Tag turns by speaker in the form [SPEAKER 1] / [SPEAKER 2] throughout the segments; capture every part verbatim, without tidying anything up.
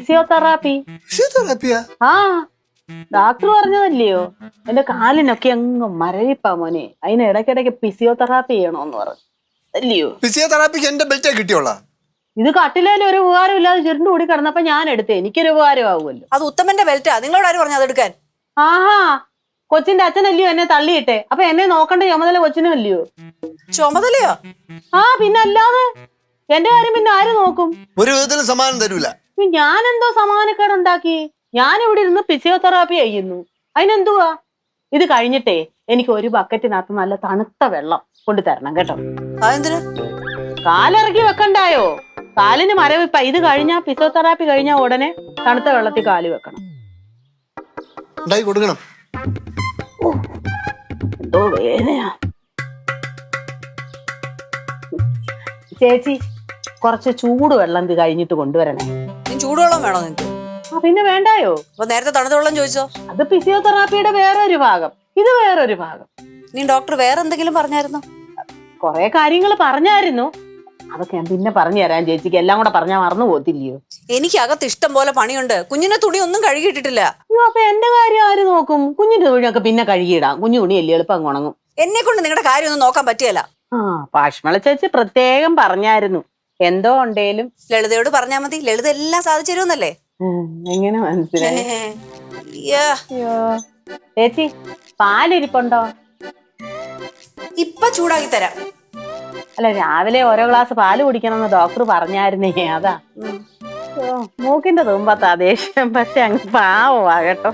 [SPEAKER 1] Physiotherapy.
[SPEAKER 2] ഫിസിയോതെറാപ്പിയാ?
[SPEAKER 1] ആ doctor പറഞ്ഞതല്ലയോ എന്റെ കാലിനൊക്കെ അങ്ങ് മരവിപ്പാ മോനെ, അതിന് ഇടയ്ക്കിടയ്ക്ക് ഫിസിയോതെറാപ്പി ചെയ്യണോന്ന് പറഞ്ഞു അല്ലയോ.
[SPEAKER 2] ഫിസിയോതെറാപ്പിക്ക് എന്റെ ബെൽറ്റേ കിട്ടിയോളാ.
[SPEAKER 1] ഇത് കട്ടിലേലും ഒരു ഉപകാരം ഇല്ലാതെ ചുരുണ്ട് കൂടി കിടന്നപ്പോ ഞാൻ എടുത്തേ, എനിക്കൊരു ഉപകാരമാവുമല്ലോ.
[SPEAKER 3] അത് ഉത്തമന്റെ ബെൽറ്റാ, നിങ്ങളോട് ആര് പറഞ്ഞു അതെടുക്കാൻ?
[SPEAKER 1] ആഹാ, കൊച്ചിന്റെ അച്ഛനല്ലയോ എന്നെ തള്ളിയിട്ടെ, അപ്പൊ എന്നെ നോക്കണ്ട ചുമതല കൊച്ചിനും അല്ലയോ?
[SPEAKER 3] ചുമതലയോ?
[SPEAKER 1] ആ പിന്നെ അല്ലാതെ, എന്റെ കാര്യം പിന്നെ ആര് നോക്കും?
[SPEAKER 2] ഒരു വിധത്തിലും സമാനം തരൂല.
[SPEAKER 1] ഞാൻ എന്തോ സമാനക്കേടുണ്ടാക്കി? ഞാൻ ഇവിടെ ഇരുന്ന് ഫിസിയോതെറാപ്പി ചെയ്യുന്നു, അതിനെന്തുവാ? ഇത് കഴിഞ്ഞിട്ടേ എനിക്ക് ഒരു ബക്കറ്റിനകത്ത് നല്ല തണുത്ത വെള്ളം കൊണ്ടു തരണം കേട്ടോ.
[SPEAKER 3] അതെന്തിനാ?
[SPEAKER 1] കാലിറക്കി വെക്കണ്ടായോ? കാലിന് മരവിപ്പ. ഇത് കഴിഞ്ഞാ ഫിസിയോതെറാപ്പി കഴിഞ്ഞാ ഉടനെ തണുത്ത വെള്ളത്തിൽ കാല് വെക്കണം.
[SPEAKER 2] ഉണ്ടായി കൊടുക്കണം.
[SPEAKER 1] എന്തോ വേദനയാ. ചേച്ചി കുറച്ച് ചൂടുവെള്ളം ഇത് കഴിഞ്ഞിട്ട് കൊണ്ടുവരണേ.
[SPEAKER 3] ചൂടുവെള്ളം വേണോ നിങ്ങക്ക്?
[SPEAKER 1] ആ പിന്നെ വേണ്ടായോ?
[SPEAKER 3] അപ്പൊ നേരത്തെ തണുത്ത വെള്ളം ചോദിച്ചോ?
[SPEAKER 1] അത് ഫിസിയോതെറാപ്പിയുടെ വേറൊരു ഭാഗം, ഇത് വേറൊരു ഭാഗം.
[SPEAKER 3] നീ ഡോക്ടർ വേറെ എന്തെങ്കിലും പറഞ്ഞായിരുന്നോ?
[SPEAKER 1] കൊറേ കാര്യങ്ങൾ പറഞ്ഞായിരുന്നു, അതൊക്കെ ഞാൻ പിന്നെ പറഞ്ഞു തരാൻ ചേച്ചിക്ക്. എല്ലാം കൂടെ പറഞ്ഞാൽ മറന്നു പോകത്തില്ലയോ?
[SPEAKER 3] എനിക്ക് അകത്ത് ഇഷ്ടം പോലെ പണിയുണ്ട്. കുഞ്ഞിന്റെ തുണി ഒന്നും കഴുകിയിട്ടിട്ടില്ല.
[SPEAKER 1] അയ്യോ, അപ്പൊ എന്റെ കാര്യം ആര് നോക്കും? കുഞ്ഞിന്റെ തുണിയൊക്കെ പിന്നെ കഴുകിയിടാം, കുഞ്ഞു തുണിയല്ലേ എളുപ്പം ഉണങ്ങും.
[SPEAKER 3] എന്നെ കൊണ്ട് നിങ്ങളുടെ കാര്യം ഒന്നും നോക്കാൻ പറ്റിയല്ല.
[SPEAKER 1] ആ പാഷ്മള ചേച്ചി പ്രത്യേകം പറഞ്ഞായിരുന്നു, എന്തോ ഉണ്ടേലും
[SPEAKER 3] ലളിതയോട് പറഞ്ഞാ മതി, ലളിത എല്ലാം സാധിച്ചു തരുമെന്നല്ലേ.
[SPEAKER 1] എങ്ങനെ മനസ്സിലായി?
[SPEAKER 3] അയ്യോ,
[SPEAKER 1] ചേച്ചി പാലിരിപ്പുണ്ടോ?
[SPEAKER 3] ഇപ്പൊ ചൂടാക്കി തരാം.
[SPEAKER 1] അല്ല, രാവിലെ ഓരോ ഗ്ലാസ് പാല് കുടിക്കണമെന്ന് ഡോക്ടർ പറഞ്ഞായിരുന്നേ, അതാ. മൂക്കിന്റെ തുമ്പത്താ ദേഷ്യം, പക്ഷെ അങ്ങ് പാവമാ കേട്ടോ.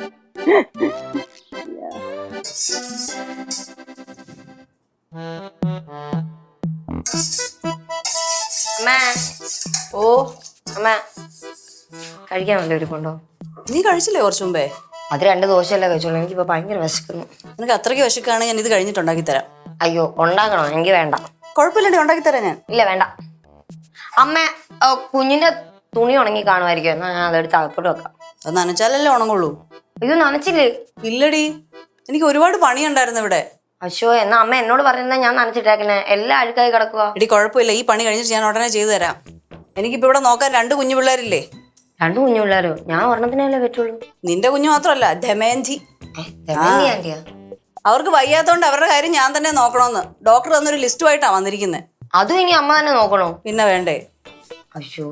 [SPEAKER 4] ഓ അമ്മ കഴിക്കാൻ വല്ല ഒരുക്കുണ്ടോ?
[SPEAKER 3] നീ കഴിച്ചില്ലേ കുറച്ചു മുമ്പേ?
[SPEAKER 4] അത് രണ്ട് ദോശയല്ലേ കഴിച്ചോളൂ, എനിക്കിപ്പോ ഭയങ്കര വിശക്കുന്നു.
[SPEAKER 3] നിനക്ക് അത്രയ്ക്ക് വിശക്കാണ്, ഞാൻ ഇത് കഴിഞ്ഞിട്ട് ഉണ്ടാക്കി തരാം.
[SPEAKER 4] അയ്യോ ഉണ്ടാക്കണോ? എനിക്ക് വേണ്ട.
[SPEAKER 3] കുഴപ്പമില്ലണ്ടി ഉണ്ടാക്കി തരാം ഞാൻ.
[SPEAKER 4] ഇല്ല വേണ്ട. അമ്മ കുഞ്ഞിന്റെ തുണി ഉണങ്ങി കാണുമായിരിക്കും, എന്നാ ഞാൻ അതെടുത്ത് അകത്തോട്ട് വെക്കാം.
[SPEAKER 3] അത് നനച്ചാലല്ലേ ഉണങ്ങുള്ളൂ.
[SPEAKER 4] അയ്യോ നനച്ചില്ലേ?
[SPEAKER 3] ഇല്ലടി, എനിക്ക് ഒരുപാട് പണിയുണ്ടായിരുന്നു ഇവിടെ.
[SPEAKER 4] അശോ, എന്നാ അമ്മ എന്നോട് പറഞ്ഞാ ഞാൻ നനച്ചിട്ടേക്കണേ, എല്ലാം അഴുക്കായി കിടക്കുക.
[SPEAKER 3] എടി കുഴപ്പമില്ല, ഈ പണി കഴിഞ്ഞിട്ട് ഞാൻ ഉടനെ ചെയ്തു തരാം. എനിക്കിപ്പോ ഇവിടെ നോക്കാൻ രണ്ട് കുഞ്ഞു പിള്ളേരില്ലേ?
[SPEAKER 4] രണ്ടു കുഞ്ഞു പിള്ളേരോ? ഞാൻ ഒരെണ്ണത്തിനല്ലേ പറ്റുള്ളൂ.
[SPEAKER 3] നിന്റെ കുഞ്ഞു മാത്രമല്ല, ദമയന്തി.
[SPEAKER 4] ആന്റിയാ?
[SPEAKER 3] അവർക്ക് വയ്യാത്തോണ്ട് അവരുടെ കാര്യം ഞാൻ തന്നെ നോക്കണോന്ന് ഡോക്ടർ തന്നൊരു ലിസ്റ്റുമായിട്ടാ വന്നിരിക്കുന്നത്.
[SPEAKER 4] അതും ഇനി അമ്മ തന്നെ നോക്കണോ?
[SPEAKER 3] പിന്നെ വേണ്ടേ?
[SPEAKER 4] അശോ.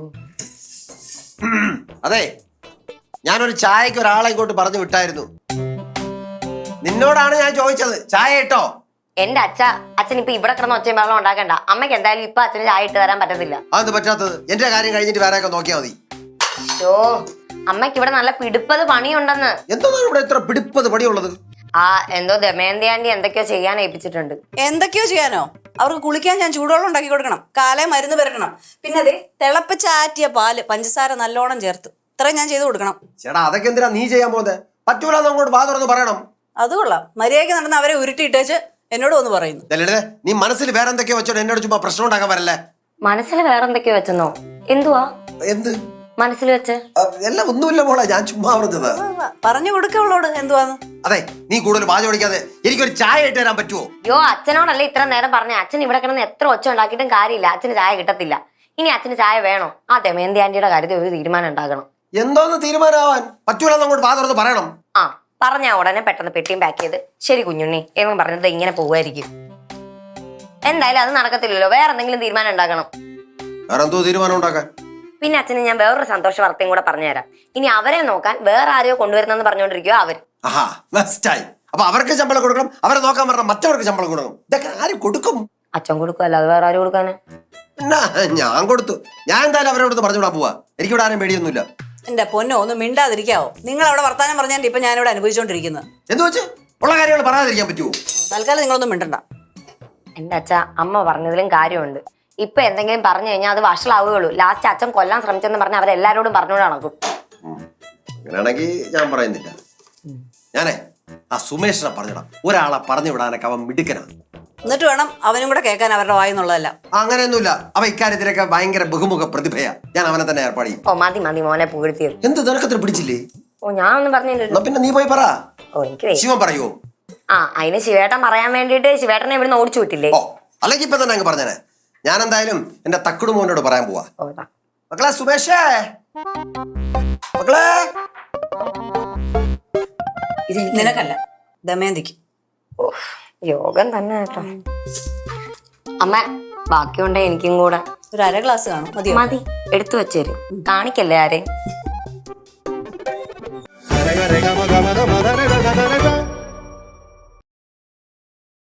[SPEAKER 2] അതെ, ഞാനൊരു ചായക്ക് ഒരാളെ ഇങ്ങോട്ട് പറഞ്ഞു വിട്ടായിരുന്നു. നിന്നോടാണ് ഞാൻ ചോദിച്ചത്, ചായ ഇട്ടോ?
[SPEAKER 4] എന്റെ അച്ഛ അച്ഛൻ ഇപ്പൊ ഇവിടെ കിടന്ന് ഒച്ചയും വെള്ളം ഉണ്ടാക്കണ്ട. അമ്മയ്ക്ക് എന്തായാലും ഇപ്പൊ അച്ഛന് ചായ ഇട്ട് തരാൻ പറ്റത്തില്ല.
[SPEAKER 2] അതെന്ത് പറ്റാത്തത്? എന്റെ കാര്യം കഴിഞ്ഞിട്ട് വേറെ ഒക്കെ നോക്കിയാൽ മതി.
[SPEAKER 4] ഷോ, അമ്മയ്ക്ക് ഇവിടെ നല്ല പിടിപ്പത് പണിയുണ്ടെന്ന്.
[SPEAKER 2] എന്താണ് ഇവിടെ ഇത്ര പിടിപ്പത് പണിയുള്ളത്?
[SPEAKER 4] ആ എന്തോ ദമയന്തി ആന്റി എന്തൊക്കെയോ ചെയ്യാൻ ഏൽപ്പിച്ചിട്ടുണ്ട്.
[SPEAKER 3] എന്തൊക്കെയോ ചെയ്യാനോ? അവർക്ക് കുളിക്കാൻ ഞാൻ ചൂടുവെള്ളം ഉണ്ടാക്കി കൊടുക്കണം, കാലേ മരുന്ന് വരണം, പിന്നെ അതെ തിളപ്പിച്ചാറ്റിയ പാല് പഞ്ചസാര നല്ലോണം ചേർത്ത് ഇത്രയും ഞാൻ ചെയ്ത് കൊടുക്കണം.
[SPEAKER 2] ചേട്ടാ അതൊക്കെ എന്തിനാ നീ ചെയ്യാൻ പോകുന്നത്? പറ്റൂലെന്ന് അങ്ങോട്ട് വാ തുറന്ന് പറയണം.
[SPEAKER 3] അത് കൊള്ളാം, മര്യാദയ്ക്ക് നടന്ന് അവരെ ഉരുട്ടിയിട്ടേച്ച് എന്നോട് വന്ന് പറയുന്നു.
[SPEAKER 2] നീ മനസ്സിൽ വേറെ എന്തൊക്കെയോ വെച്ചോ എന്നോട് ചുമ്മാ പ്രശ്നം ഉണ്ടാക്കാൻ വരല്ലേ.
[SPEAKER 4] മനസ്സിൽ വേറെ എന്തൊക്കെയോ വെച്ചെന്നോ? എന്തുവാ
[SPEAKER 2] എന്ത്
[SPEAKER 4] മനസ്സിൽ വെച്ച്?
[SPEAKER 2] എല്ലാം ഒന്നുമില്ല മോളെ, ഞാൻ ചുമ്മാ പറഞ്ഞത്.
[SPEAKER 3] പറഞ്ഞു കൊടുക്കവളോട് എന്തുവാന്ന്.
[SPEAKER 2] അതെ, നീ കൂടുതൽ വാച ഓടിക്കാതെ എനിക്കൊരു ചായ ഇട്ട് തരാൻ പറ്റുമോ?
[SPEAKER 4] യോ, അച്ഛനോടല്ലേ ഇത്ര നേരം പറഞ്ഞ. അച്ഛൻ ഇവിടെ കിടന്ന് എത്ര ഒച്ച ഉണ്ടാക്കിയിട്ടും കാര്യമില്ല, അച്ഛന് ചായ കിട്ടത്തില്ല. ഇനി അച്ഛന് ചായ വേണോ? ആ ദമയന്തി ആന്റിയുടെ കാര്യത്തിൽ ഒരു തീരുമാനം ഉണ്ടാക്കണം.
[SPEAKER 2] എന്തോന്ന് തീരുമാനമാവാൻ? പറ്റൂലെന്ന് അങ്ങോട്ട് വാ തുറന്ന് പറയണം.
[SPEAKER 4] ആ പറഞ്ഞ ഉടനെ പെട്ടെന്ന് പെട്ടിയും പാക്ക് ചെയ്ത് ശരി കുഞ്ഞുണ്ണി എന്ന് പറഞ്ഞത് ഇങ്ങനെ പോവായിരിക്കും. എന്തായാലും അത് നടക്കത്തില്ലല്ലോ, വേറെ എന്തെങ്കിലും തീരുമാനം ഉണ്ടാക്കണം.
[SPEAKER 2] വേറെ എന്തോ തീരുമാനം ഉണ്ടാക്കാൻ?
[SPEAKER 4] പിന്നെ അച്ഛന് ഞാൻ വേറൊരു സന്തോഷ വാർത്തയും കൂടെ പറഞ്ഞുതരാം. ഇനി അവരെ നോക്കാൻ വേറെ ആരെയോ കൊണ്ടുവരുന്നെന്ന് പറഞ്ഞുകൊണ്ടിരിക്കുവോ അവർ.
[SPEAKER 2] ആഹാ, ബെസ്റ്റായി. അപ്പൊ അവർക്ക് ശമ്പളം കൊടുക്കണം, അവരെ നോക്കാൻ പറഞ്ഞാൽ മറ്റവർക്ക് ശമ്പളം കൊടുക്കണം. ഇതൊക്കെ ആര് കൊടുക്കും?
[SPEAKER 4] അച്ഛൻ കൊടുക്കും, അല്ലാതെ വേറെ ആരും കൊടുക്കാന്?
[SPEAKER 2] ഞാൻ കൊടുത്തു. ഞാൻ എന്തായാലും അവരോട് പറഞ്ഞു വിടാൻ പോവാ. എനിക്കിവിടെ ആരും പേടിയൊന്നുമില്ല.
[SPEAKER 3] എന്റെ പൊന്നോ, ഒന്ന് മിണ്ടാതിരിക്കാവോ? നിങ്ങൾ അവിടെ വർത്താനം പറഞ്ഞാൽ ഇപ്പൊ ഞാനിവിടെ അനുഭവിച്ചോണ്ടിരിക്കുന്നത്.
[SPEAKER 2] എന്തു വെച്ച് ഉള്ള കാര്യങ്ങൾ പറയാതിരിക്കാൻ പറ്റുമോ?
[SPEAKER 3] തൽക്കാലം നിങ്ങളൊന്നും മിണ്ടണ്ട.
[SPEAKER 4] എന്റെ അച്ഛ അമ്മ പറഞ്ഞതിലും കാര്യമുണ്ട്. ഇപ്പൊ എന്തെങ്കിലും പറഞ്ഞു കഴിഞ്ഞാൽ അത് വഷളാവുകയുള്ളൂ. ലാസ്റ്റ് അച്ഛൻ കൊല്ലാൻ ശ്രമിച്ചെന്ന് പറഞ്ഞാൽ അവരെല്ലാരോടും പറഞ്ഞുകൊണ്ട് നടക്കും.
[SPEAKER 2] അങ്ങനെയാണെങ്കിൽ ഞാൻ പറയുന്നില്ല. ഞാനേ ആ സുമേഷിനെ പറഞ്ഞിടാം. ഒരാളെ പറഞ്ഞു വിടാനൊക്കെ അവൻ മിടുക്കനാണ്.
[SPEAKER 3] എന്നിട്ട് വേണം അവനും കൂടെ കേൾക്കാൻ അവരുടെ വായെന്നുള്ളതല്ല.
[SPEAKER 2] അങ്ങനെയൊന്നുമില്ല, അവ ഇക്കാര്യത്തിലൊക്കെ ഭയങ്കര ബഹുമുഖ പ്രതിഭയാ. ഞാൻ അവനെ തന്നെ ഏർപ്പാട് ചെയ്യും.
[SPEAKER 4] ഓ മതി മതി മോനെ പുകഴ്ത്തിയത്.
[SPEAKER 2] എന്ത് നിനക്കത്ര പിടിച്ചില്ലേ?
[SPEAKER 4] ഓ ഞാൻ ഒന്നും പറഞ്ഞില്ലല്ലോ.
[SPEAKER 2] പിന്നെ നീ പോയി പറ.
[SPEAKER 4] ഓ എനിക്ക്
[SPEAKER 2] ശിവൻ പറയുവോ?
[SPEAKER 4] ആ അതിന് ശിവേട്ടൻ പറയാൻ വേണ്ടിട്ട് ശിവേട്ടനെ ഇവിടുന്ന് ഓടിച്ചു വിട്ടില്ലേ?
[SPEAKER 2] ഓ അല്ലെങ്കിൽ ഇപ്പൊ തന്നെ അങ്ങ് പറഞ്ഞേ. ഞാൻ എന്തായാലും എന്റെ തക്കുടു മോനോട് പറയാൻ പോവാ. മക്കളെ സുമേഷേ, മക്കളെ.
[SPEAKER 3] ഇത് നിനക്കല്ല, ദമയന്തിക്ക്.
[SPEAKER 4] ഓഹ്, യോഗം തന്നെ കേട്ടോ. അമ്മ ബാക്കിയുണ്ടേ എനിക്കും കൂടെ
[SPEAKER 3] ഒരു അര ഗ്ലാസ് കാണും, മതിയോ?
[SPEAKER 4] മതി, എടുത്തു വെച്ചേരും. കാണിക്കല്ലേ ആരെ.
[SPEAKER 5] Rega, rega, maga, maga, maga, rega, rega, rega.